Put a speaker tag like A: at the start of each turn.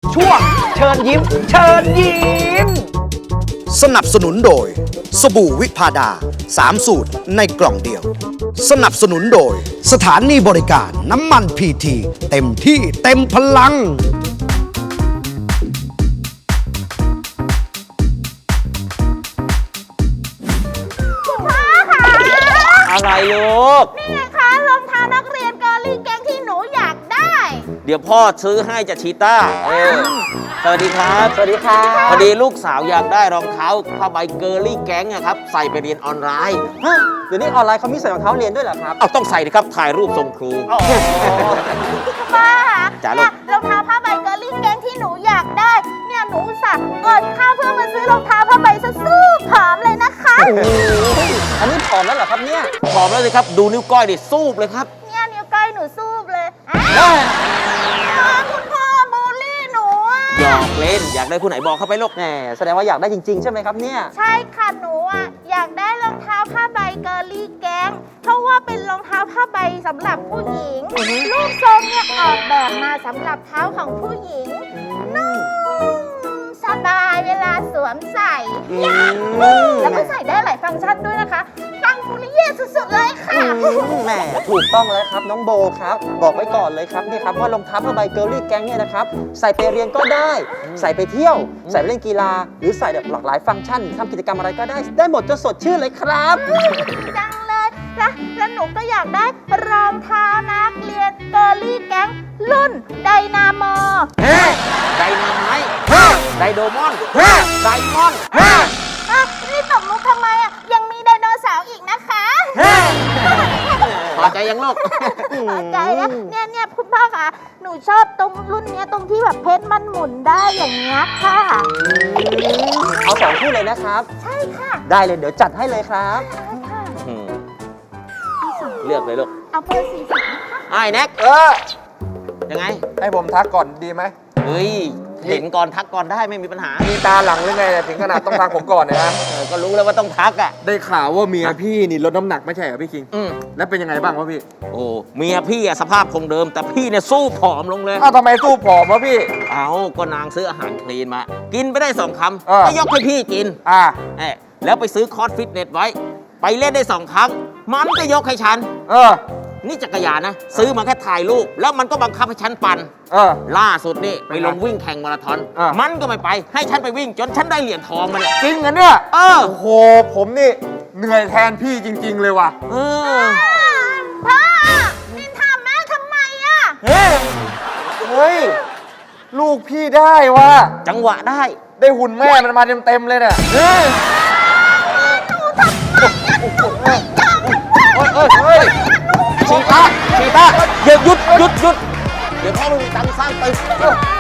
A: ช่วงเชิญยิ้ม เชิญยิ้ม
B: สนับสนุนโดยสบู่วิพาดา3 สูตรในกล่องเดียว สนับสนุนโดยสถานีบริการน้ำมันพีทีเต็มที่เต็มพลัง
C: อะไรลูก
D: นี่ไงคะรองเท้านักเรียนเกอร์ลี่แก๊งที่หนูอยากได้
C: เดี๋ยวพ่อซื้อให้จะชีต้าสวัสดีครับ สวัสดีครับ พอดีลูกสาวอยากได้รองเท้าผ้าใบเกอร์ลี่แก๊งอะครับ ใส่ไปเรียนออนไลน์
E: เดี๋ยวนี้ออนไลน์เขามีใส่รองเท้าเรียนด้วยเหรอครับ
C: เอาต้องใส่ดิครับ ถ่ายรูปส่งครู
D: ป้า
C: จ๋าลู
D: เนี่
C: ก
D: ยรองเท้าผ้าใบเกอร์ลี่แก๊งที่หนูอยากได้ เนี่ยหนูอุตส่าห์อดข้าวเพื่อมาซื้อรองเท้าผ้าใบซะสู้ผอมเลยนะคะ
E: อันนี้ผอมแล้วเหรอครับเนี่ย
C: พร้อมแล้วสิครับ ดูนิ้วก้อยดิสูบเลยครับ
D: เนี่ยนิ้วก้อยหนูสู้เลยคุณพ่อบูลลี่หนูอะ
C: หยอกเล่น อยากได้ผู้ไหนบอกเข้าไปลูก
E: แหมแสดงว่าอยากได้จริงๆใช่ไหมครับเนี่ย
D: ใช่ค่ะหนูอะอยากได้รองเท้าผ้าใบเกอร์ลี่แก๊งเพราะว่าเป็นรองเท้าผ้าใบสำหรับผู้หญิงรูปทรงเนี่ยออกแบบมาสำหรับเท้าของผู้หญิงนุ่มสบายเวลาสวมใส่แล้วก็ใส่ได้หลายฟังก์ชันด้วยนะคะฟังฟูริเย่สุดๆเลยค่ะ
E: แหมถูกต้องแล้วครับน้องโบครับ บอกไว้ก่อนเลยครับเนี่ยครับว่ารองเท้าผ้าใบเกิร์ลลี่แก๊งเนี่ยนะครับใส่ไปเรียนก็ได้ ใส่ไปเที่ยว ใส่ไปเล่นกีฬา หรือใส่แบบหลากหลายฟังก์ชันทำกิจกรรมอะไรก็ได้ ได้หมดจนสดชื่นเลยครับ
D: จังเลยแล้วหนูก็อยากได้รองเท้านักเรียนเกอร์ลี่แก๊งรุ่นไดนาโม
C: ไดนาไมต์ไดโดมอนไดมอน
D: นี่ตบมุกทำไมอ่ะ ยังมีไดโนเสาร์อีกนะคะ
C: พอใจยังลูก
D: พอใจนะเนี่ยคุณพ่อคะหนูชอบตรงรุ่นเนี้ยตรงที่แบบเพชรมันหมุนได้อย่างเงี้ยค่ะ
E: เอา2 คู่เลยนะครับ
D: ใช่ค่ะ
E: ได้เลยเดี๋ยวจัดให้เลยครับ
D: ใช่ค่ะ
C: เลือกเลยลูก
D: เอาเบอร์40นะคะ
C: ไอ้แน็กยังไง
F: ให้ผมทักก่อนดีไหม
C: เฮ้ย เห็นก่อนทักก่อนได้ไม่มีปัญหา
F: มีตาหลังหรือไงเนี่ยถึงขนาดต้องทักผมก่อนเนยนะ
C: ก็รู้แล้วว่าต้องทักอ่ะ
F: ได้ข่าวว่าเมียพี่นี่ลดน้ำหนักไม่ใช่เหรอพี่คิง
C: อืม
F: แล้วเป็นยังไงบ้างวะพี่
C: โอ้เมียพี่อะสภาพคงเดิม แต่พี่เนี่ยสู้ผอมลงเลย
F: อ้าวทำไมสู้ผอมวะพี่
C: เอาก็นางซื้ออาหารคลีนมา กินไปได้2 คำ
F: เออ
C: ก็ยกให้พี่กิน
F: อ่า
C: แล้วไปซื้อคอร์สฟิตเนสไว้ ไปเล่นได้2 ครั้ง มันก็ยกให้ฉัน
F: เออ
C: นี่จักรยานนะ ซื้อมาแค่ถ่ายรูป แล้วมันก็บังคับให้ฉันปั่น
F: เออ
C: ล่าสุดนี่ไปลงวิ่งแข่งมาราธอน
F: อ่ะ
C: มันก็ไม่ไป ให้ฉันไปวิ่งจนฉันได้เหรียญทองมาเนี่ย
F: จริงเหรอเนี่ย
C: เออ
F: โอ้โห ผมนี่เหนื่อยแทนพี่จริง ๆ เลยว่ะ
C: เออ
D: พ่อนินทาแม่ทำไมอ่ะ
F: เฮ้ย ลูกพี่ได้ว่ะ
C: จังหวะได้
F: ได้หุ่นแม่มันมาเต็มๆเลยเนี่ยเฮ้ยเฮ้ย
C: ชีต้าอย่าหยุด เดี๋ยวพ่อไม่มีตังค์สร้างตึก